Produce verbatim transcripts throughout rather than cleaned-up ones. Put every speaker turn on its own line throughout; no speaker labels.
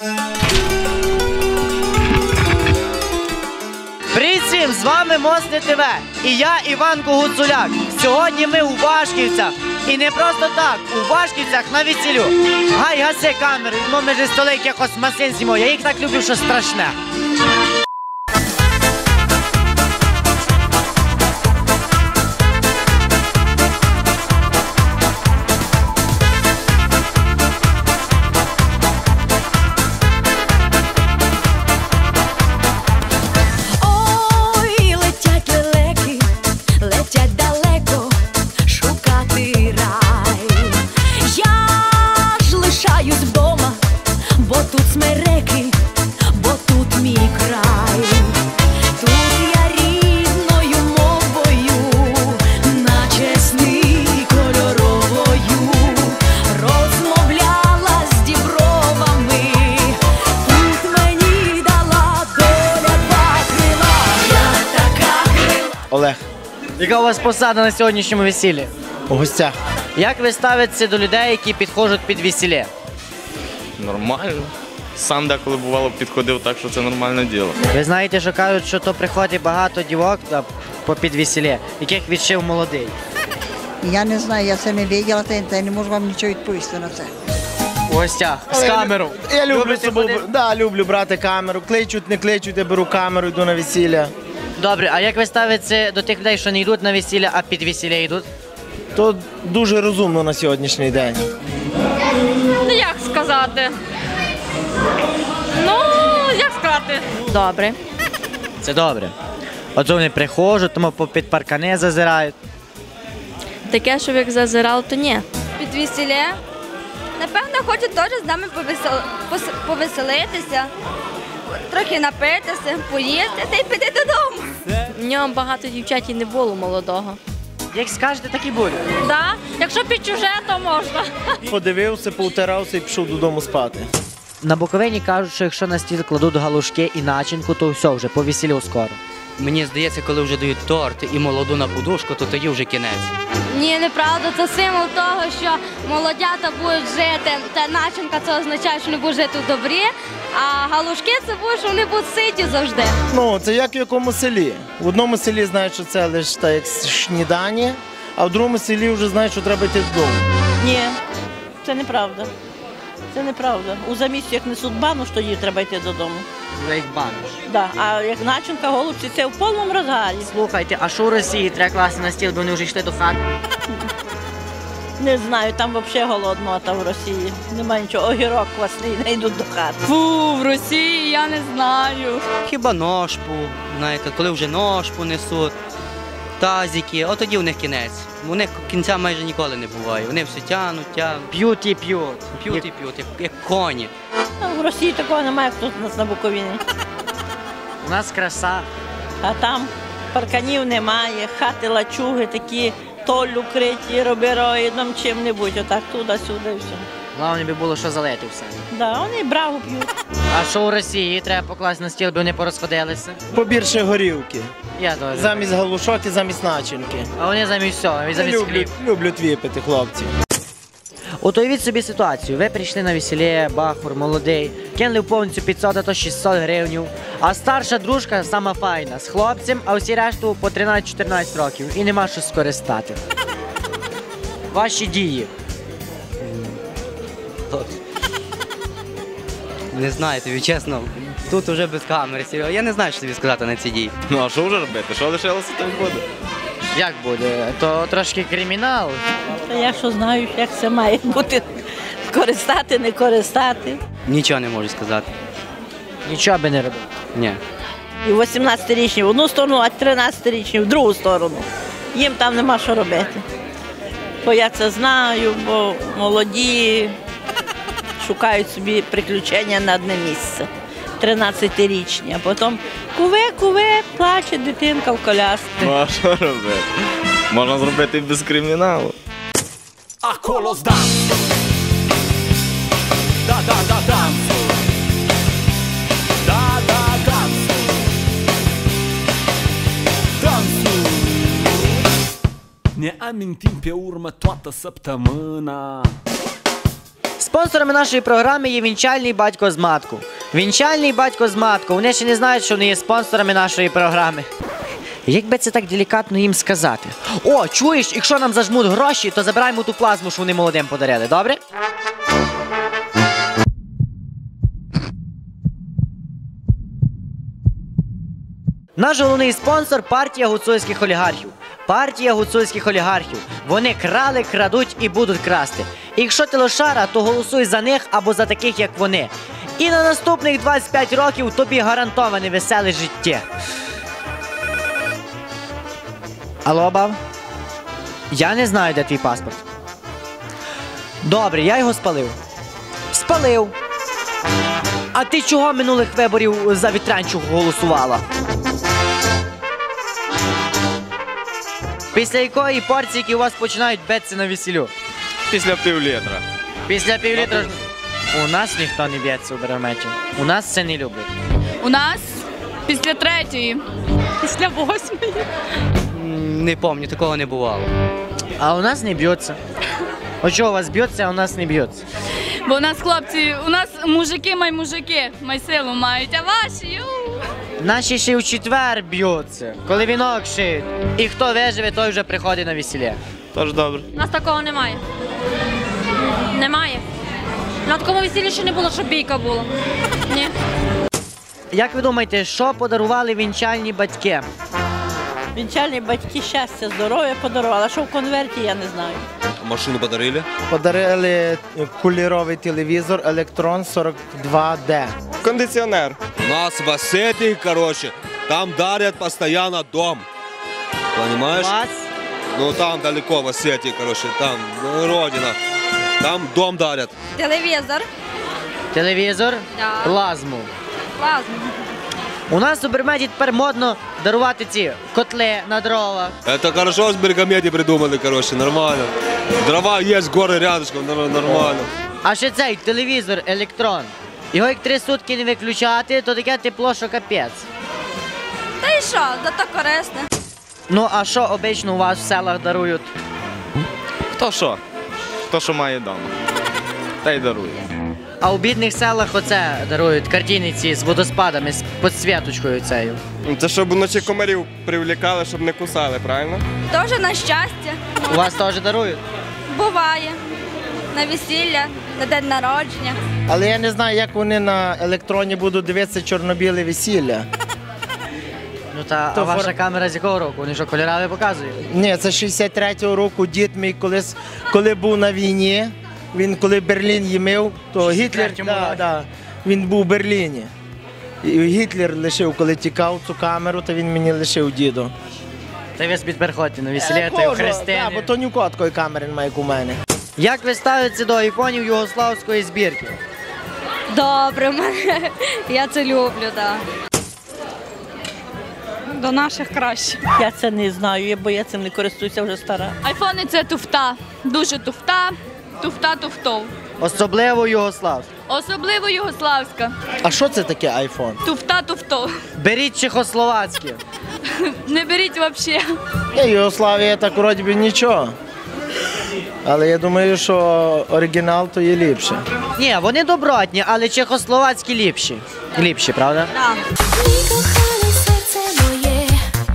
Привіт всім, з вами Мосне ТВ і я Іван Гуцуляк. Сьогодні ми у Вашківцях. І не просто так, у Вашківцях на весіллю. Гай, гаси камеру, ну ми же столи якихось масин зімо, я їх так люблю, що страшне.
Олег.
Яка у вас посада на сьогоднішньому весіллі?
У гостях.
Як ви ставитеся до людей, які підходять під весілля?
Нормально. Сам деколи бувало підходив, так що це нормальне діло.
Ви знаєте, що кажуть, що то приходить багато дівок по під весілля, яких відшив молодий.
Я не знаю, я це не бачила, та я не можу вам нічого відповісти на це.
У гостях, з камеру.
Я, я люблю,
Любите
собою,
ходити?
да, люблю брати камеру. Кличуть, не кличуть, я беру камеру, йду на весілля.
Добре, а як ви ставитеся до тих людей, що не йдуть на весілля, а під весілля йдуть?
То дуже розумно на сьогоднішній день.
Ну, як сказати? Ну, як сказати? Добре.
Це добре. От вони приходять, тому під паркани зазирають.
Таке, щоб як зазирав, то ні.
Під весілля. Напевно, хочуть теж з нами повесел... пос- повеселитися, трохи напитися, поїсти та й піти додому.
В нього багато дівчат і не було молодого.
Як скажете, так і буде.
Да? Якщо під чуже, то можна.
Подивився, повтирався і пішов додому спати.
На Буковині кажуть, що якщо на стіл кладуть галушки і начинку, то все вже, по весіллю скоро.
Мені здається, коли вже дають торт і молоду на подушку, то тоді вже кінець.
Ні, неправда, це символ того, що молодята будуть жити, та начинка це означає, що вони будуть жити в добрі, а галушки це буде, що вони будуть ситі завжди.
Ну, це як в якому селі. В одному селі знають, що це лише так, як снідання, а в другому селі вже знають, що треба йти додому.
Ні, це неправда. Це неправда. У заміщах несуть бану, що їй треба йти додому.
Вже їх баниш.
Да. А як начинка, голубці, це в повному розгалі.
Слухайте, а що у Росії треба класти на стіл, бо вони вже йшли до хати?
Не знаю, там взагалі голодно, там в Росії. Немає нічого, огірок квасний, не йдуть до хати.
Фу, в Росії я не знаю.
Хіба ножпу, знаєте, коли вже ножпу несуть, тазики, от тоді в них кінець. У них кінця майже ніколи не буває. Вони все тянуть, тянуть,
П'ють і п'ють.
п'ють і п'ють, як, як коні.
А в Росії такого немає, як тут у нас на Буковині.
У нас краса.
А там парканів немає, хати лачуги такі, толлю криті, робероїдом, чим-небудь, отак туди-сюди і все.
Головне би було, що залити все.
Да, вони брагу п'ють.
А що у Росії треба покласти на стіл, бо вони порозходилися?
Побільше горілки.
Я теж.
Замість галушок і замість начинки.
А вони замість всього, і замість хліб.
Люблять, люблять випити, хлопці.
От уявіть собі ситуацію. Ви прийшли на весілля, бахур, молодий, кинули в повністю п'ятсот, а то шістсот гривень, а старша дружка сама файна, з хлопцем, а всі решту по тринадцять-чотирнадцять років і нема що скористати. Ваші дії.
Не знаю, тобі чесно, тут вже без камери. Я не знаю, що тобі сказати на ці дії.
Ну а що вже робити? Що лишилося, то й буде.
Як буде? То трошки кримінал.
Та я що знаю, як це має бути, користати, не користати.
Нічого не можу сказати.
Нічого би не робив.
Ні.
І вісімнадцятирічні в одну сторону, а тринадцятирічні в другу сторону. Їм там нема що робити. Бо я це знаю, бо молоді шукають собі приключення на одне місце. тринадцятирічні, а потім куве-куве, плаче дитинка в колясці.
Ну а що робити? Можна зробити і без криміналу.
A kolos dansu Da da da dansu Da da dansu Dansu Ne amintim pe urmă toată săptămâna
Спонсорами нашої програми є вінчальний батько з матку. Вінчальний батько з матку. Вони ще не знають, що вони є спонсорами нашої програми. Як би це так делікатно їм сказати? О, чуєш, якщо нам зажмуть гроші, то забираємо ту плазму, що вони молодим подарили, добре? Наш головний спонсор – партія гуцульських олігархів. Партія гуцульських олігархів. Вони крали, крадуть і будуть красти. І якщо ти лошара, то голосуй за них або за таких, як вони. І на наступних двадцять п'ять років тобі гарантоване веселе життя. Алло, баб? Я не знаю, де твій паспорт. Добре, я його спалив. Спалив. А ти чого минулих виборів за Вітрянчук голосувала? Після якої порційки у вас починають битися на весіллю?
Після півлітра.
Після півлітра... У нас ніхто не б'ється у Береметі. У нас це не люблять.
У нас після третьої. Після восьмої.
М, Не пам'ятаю, такого не бувало.
А у нас не б'ються. От чого у вас б'ються, а у нас не б'ються?
Бо у нас хлопці, у нас мужики май мужики, май силу мають, а ваші, ю.
Наші ще в четвер б'ються, коли вінок шиють. І хто виживе, той вже приходить на весілля.
Тож добре.
У нас такого немає. Немає. На такому весіллі ще не було, щоб бійка була. Ні.
Як ви думаєте, що подарували вінчальні батьки?
Вінчальні батьки щастя, здоров'я подарували, а що в конверті, я не знаю.
Машину подарили?
Подарили кольоровий телевізор Електрон сорок два Д.
Кондиціонер.
У нас в Осетии, короче, там дарят постоянно дом. Понимаешь?
Вас?
Ну там далеко в Осетии, короче, там ну, родина. Там дом дарят.
Телевізор.
Телевізор?
Да.
Плазму.
Класно.
У нас у Бермеді тепер модно дарувати ці котли на дровах.
Это хорошо с Бергамети придумали, короче, нормально. Дрова есть, горы рядышком, нор- нормально.
А ще цей телевізор Електрон. Його як три сутки не виключати, то таке тепло, що капець.
Та й що, зато корисне.
Ну а що обично у вас в селах дарують?
Хто що? Хто що має вдома. Та й дарує.
А у бідних селах оце дарують картини ці з водоспадами, з підсвіточкою цією.
Це щоб вночі комарів привлікали, щоб не кусали, правильно?
Тоже на щастя.
У вас теж дарують?
Буває. На весілля, на день народження.
Але я не знаю, як вони на електроні будуть дивитися чорно-біле весілля.
Ну та
То
а ваша
фор-
камера з якого року? Вони що, кольорові показують?
Ні, це шістдесят третього року дід мій колись, коли був на війні, він коли Берлін їмив, то Гітлер,
шістдесят третьому
да,
році.
да, він був у Берліні. І Гітлер лишив, коли тікав цю камеру, то він мені лишив діду.
Та ви собі тепер ходите на весілля,
Е,
та й у
кожу,
хрестини.
да, бо то ні у кого такої камери немає, як у мене.
Як ви ставитеся до айфонів югославської збірки?
Добре, мене. Я це люблю, так.
До наших краще.
Я це не знаю, бо я цим не користуюся, вже стара.
Айфони це туфта. Дуже туфта. Туфта туфтов.
Особливо югославську.
Особливо югославська.
А що це таке айфон?
Туфта туфтов.
Беріть чехословацькі.
Не беріть взагалі.
Ні, Югославія так вроді би нічого. Але я думаю, що оригінал то є ліпше.
Ні, вони добротні, але чехословацькі ліпші. Ліпші, правда?
Так.
Мій коханий, серце моє,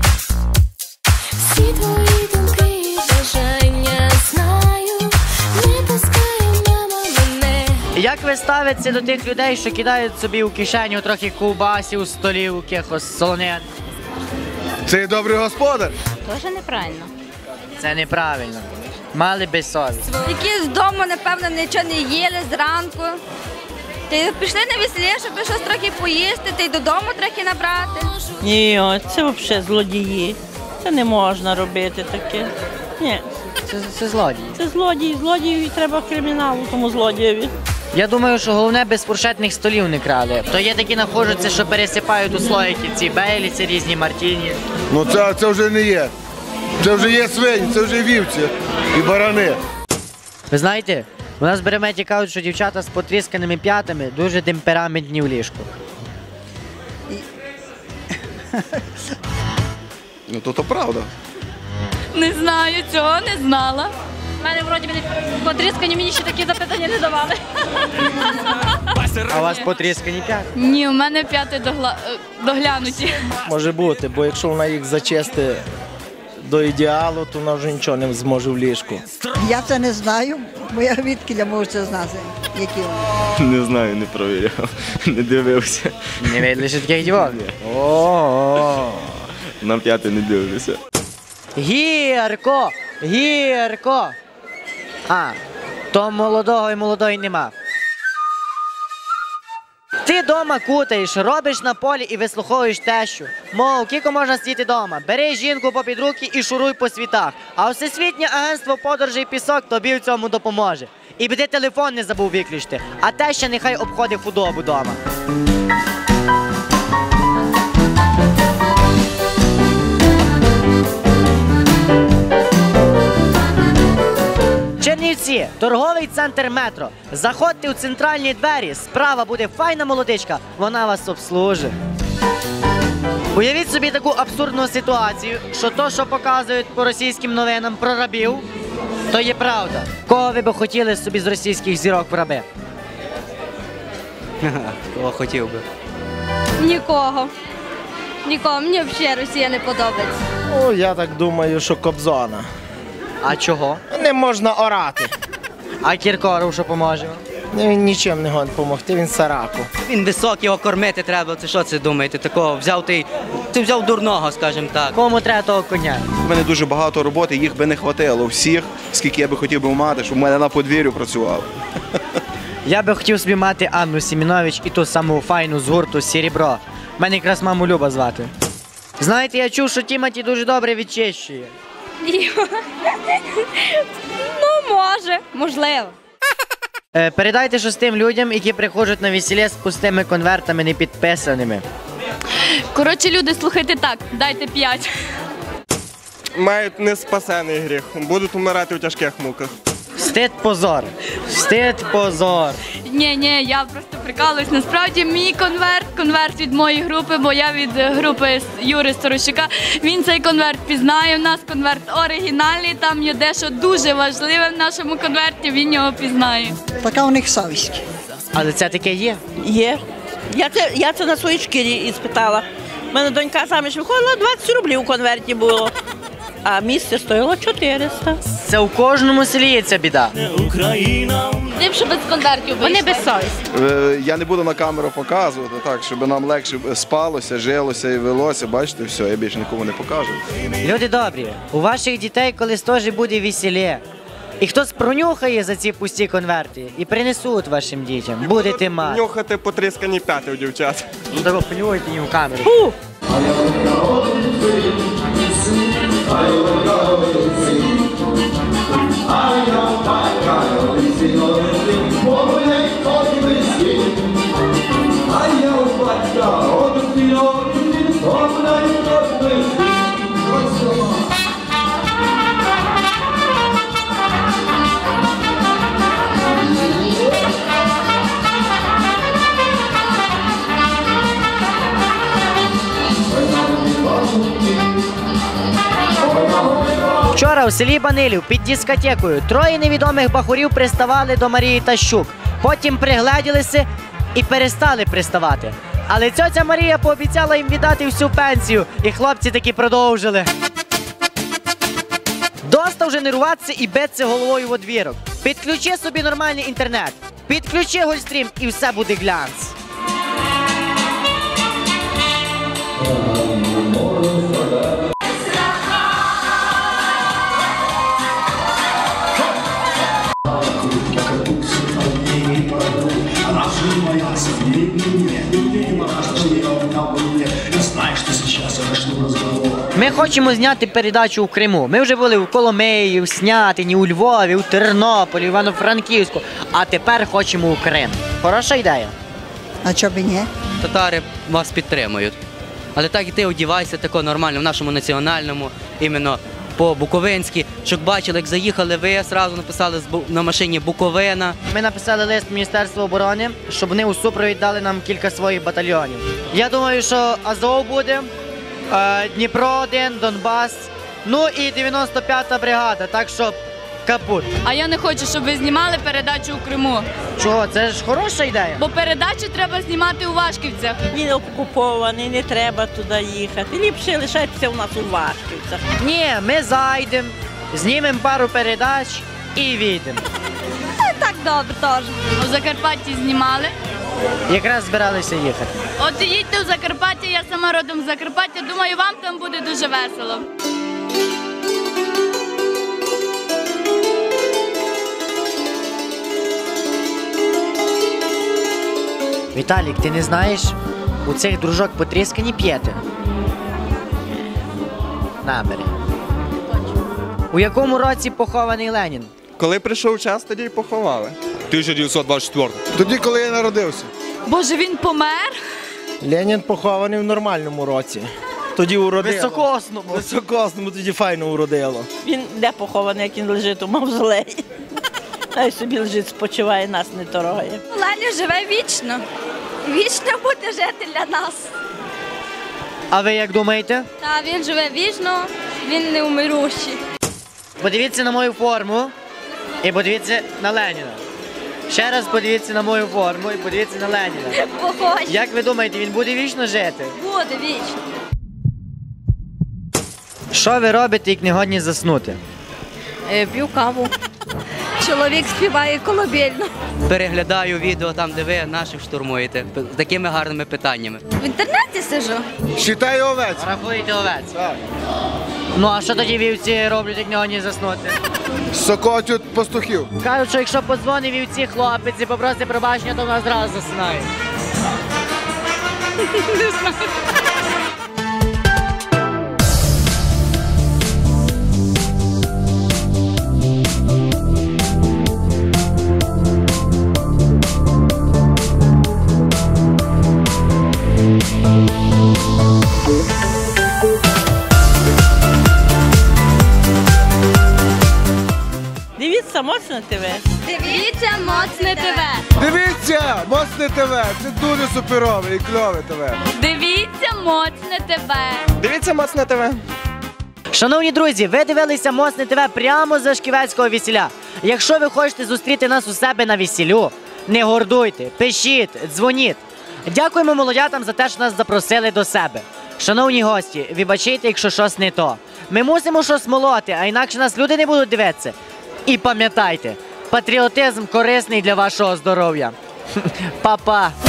всі твої думки і бажання знаю, не пускай, мама, мене.
Як ви ставитеся до тих людей, що кидають собі у кишеню трохи ковбасів, столів, якихось солонин?
Це добрий господар.
Дуже неправильно.
Це неправильно. Мали би совість.
Які з дому, напевно, нічого не їли зранку. Ти пішли на весілля, щоб щось трохи поїсти, та й додому трохи набрати.
Ні, о, це взагалі злодії. Це не можна робити таке. Ні,
Це, це злодії.
це злодії, злодіїв треба криміналу тому злодієві.
Я думаю, що головне без фуршетних столів не крали. То є такі находжуться, що пересипають у слоїки ці бейліці, різні мартіні.
Ну це, це вже не є. Це вже є свині, це вже вівці і барани.
Ви знаєте, у нас в Береметі кажуть, що дівчата з потрісканими п'ятами дуже темпераментні в ліжку.
Ну то то правда.
Не знаю, цього не знала.
У мене вроді мене потріскані, мені ще такі запитання не давали.
А у вас потріскані п'ять?
Ні, у мене п'яти догла... е, доглянуті.
Може бути, бо якщо вона їх зачисти до ідеалу, то вона вже нічого не зможе в ліжку.
Я це не знаю, бо я відки можу це знати, які вони.
Не знаю, не провіряв, не дивився.
Не видели ще таких дівок? О-о-о.
На п'яте не дивлюся.
Гірко! Гірко! А, то молодого і молодої нема. Ти дома кутаєш, робиш на полі і вислуховуєш тещу. Мов, кілько можна сидіти дома. Бери жінку попід руки і шуруй по світах. А Всесвітнє агентство подорожей пісок тобі в цьому допоможе. І біди телефон не забув виключити, а теща нехай обходить худобу дома. Чернівці, торговий центр «Метро». Заходьте у центральні двері, справа буде файна молодичка, вона вас обслужить. Уявіть собі таку абсурдну ситуацію, що то, що показують по російським новинам про рабів, то є правда. Кого ви б хотіли собі з російських зірок в раби?
Кого хотів би.
Нікого. Нікого. Мені взагалі Росія не подобається.
Ну, я так думаю, що Кобзона.
А чого?
Не можна орати.
А Кіркоров що поможе?
Ну, він нічим не гон допомогти, він сараку.
Він високий, його кормити треба. Це що це думаєте? Такого взяв ти. Ти взяв дурного, скажімо так.
Кому треба того коня?
У мене дуже багато роботи, їх би не хватило всіх, скільки я би хотів би мати, щоб в мене на подвір'ю працював.
Я би хотів собі мати Анну Сімінович і ту саму файну з гурту «Серебро». Мене якраз маму Люба звати. Знаєте, я чув, що Тімоті дуже добре відчищує.
Ну, може, можливо.
Е, передайте щось тим людям, які приходять на весілля з пустими конвертами не підписаними.
Коротше, люди, слухайте так, дайте п'ять.
Мають неспасений гріх, будуть умирати у тяжких муках.
Стид позор. Стид позор.
Ні, ні, я просто прикалуюсь. Насправді мій конверт, конверт від моєї групи, бо я від групи Юри Сторощука. Він цей конверт пізнає. У нас конверт оригінальний, там є дещо дуже важливе в нашому конверті, він його пізнає.
Така у них совість.
Але це таке є?
Є. Я це, я це на своїй шкірі іспитала. У мене донька заміж виходила, двадцять рублів у конверті було. А місце стоїло чотириста.
Це у кожному селі є ця біда.
Ліпше без конвертів. Вони без совісті.
Е, Я не буду на камеру показувати, так, щоб нам легше спалося, жилося і велося. Бачите, все, я більше нікому не покажу.
Люди добрі, у ваших дітей колись теж буде весілля. І хтось пронюхає за ці пусті конверти і принесуть вашим дітям. Будете мати.
Нюхати потріскані п'яти у дівчат.
Ну так понюхайте їм в камеру.
Фу!
Вчора у селі Банилів під дискотекою троє невідомих бахурів приставали до Марії Тащук. Потім пригледілися і перестали приставати. Але цьоця Марія пообіцяла їм віддати всю пенсію, і хлопці таки продовжили. Доста вже нервуватися і битися головою в одвірок. Підключи собі нормальний інтернет, підключи Гольстрім і все буде глянц. Ми хочемо зняти передачу у Криму. Ми вже були в Коломиї, в Снятині, у Львові, у Тернополі, в Івано-Франківську. А тепер хочемо у Крим. Хороша ідея?
А чого б і ні?
Татари вас підтримують. Але так і ти одівайся тако нормально, в нашому національному, іменно по-буковинськи. Щоб бачили, як заїхали ви, одразу написали на машині Буковина.
Ми написали лист Міністерству оборони, щоб вони у супровід дали нам кілька своїх батальйонів. Я думаю, що Азов буде, Дніпро один, Донбас, ну і дев'яносто п'ята бригада. Так що капут.
А я не хочу, щоб ви знімали передачу у Криму.
Чого? Це ж хороша ідея.
Бо передачу треба знімати у Вашківцях.
Він окупований, не треба туди їхати. Ліпше лишайтеся у нас у Вашківцях.
Ні, ми зайдемо, знімемо пару передач і війдемо.
Так добре теж.
У Закарпатті знімали.
Якраз збиралися їхати.
От їдьте у Закарпаття, я сама родом з Закарпаття. Думаю, вам там буде дуже весело.
Віталік, ти не знаєш, у цих дружок потріскані п'єти. Намери. У якому році похований Ленін?
Коли прийшов час, тоді й поховали.
тисяча дев'ятсот двадцять четвертий.
Тоді, коли я народився.
Боже, він помер?
Ленін похований в нормальному році. Тоді уродило.
Високосному.
Високосному тоді файно уродило.
Він де похований, як він лежить у мавзолеї. Хай собі лежить, спочиває, нас не торгає.
Ленін живе вічно. Вічно буде жити для нас.
А ви як думаєте?
Та він живе вічно, він не умирущий.
Подивіться на мою форму і подивіться на Леніна. Ще раз подивіться на мою форму і подивіться на Леніна.
Похоже.
Як ви думаєте, він буде вічно жити?
Буде вічно.
Що ви робите, як не годні заснути?
П'ю каву. Чоловік співає колыбельну.
Переглядаю відео там, де ви наших штурмуєте. З такими гарними питаннями.
В інтернеті сижу.
Считаю овець.
Рахуєте овець? Так. Ну а що тоді вівці роблять, як не годні заснути?
Сокотють пастухів.
Кажуть, що якщо подзвонить вівці хлопець і попросить пробачення, то вона зразу засинає.
Не знаю.
Дивіться моцне ТВ.
Дивіться моцне ТВ.
Дивіться, моцне ТВ. Це дуже суперове і кльове ТВ.
Дивіться моцне ТВ.
Дивіться моцне ТВ.
Шановні друзі, ви дивилися Моцне ТВ прямо з Шківецького весіля. Якщо ви хочете зустріти нас у себе на весіллю, не гордуйте, пишіть, дзвоніть. Дякуємо молодятам за те, що нас запросили до себе. Шановні гості, вибачайте, якщо щось не то. Ми мусимо щось молоти, а інакше нас люди не будуть дивитися. І пам'ятайте, патріотизм корисний для вашого здоров'я. Па-па!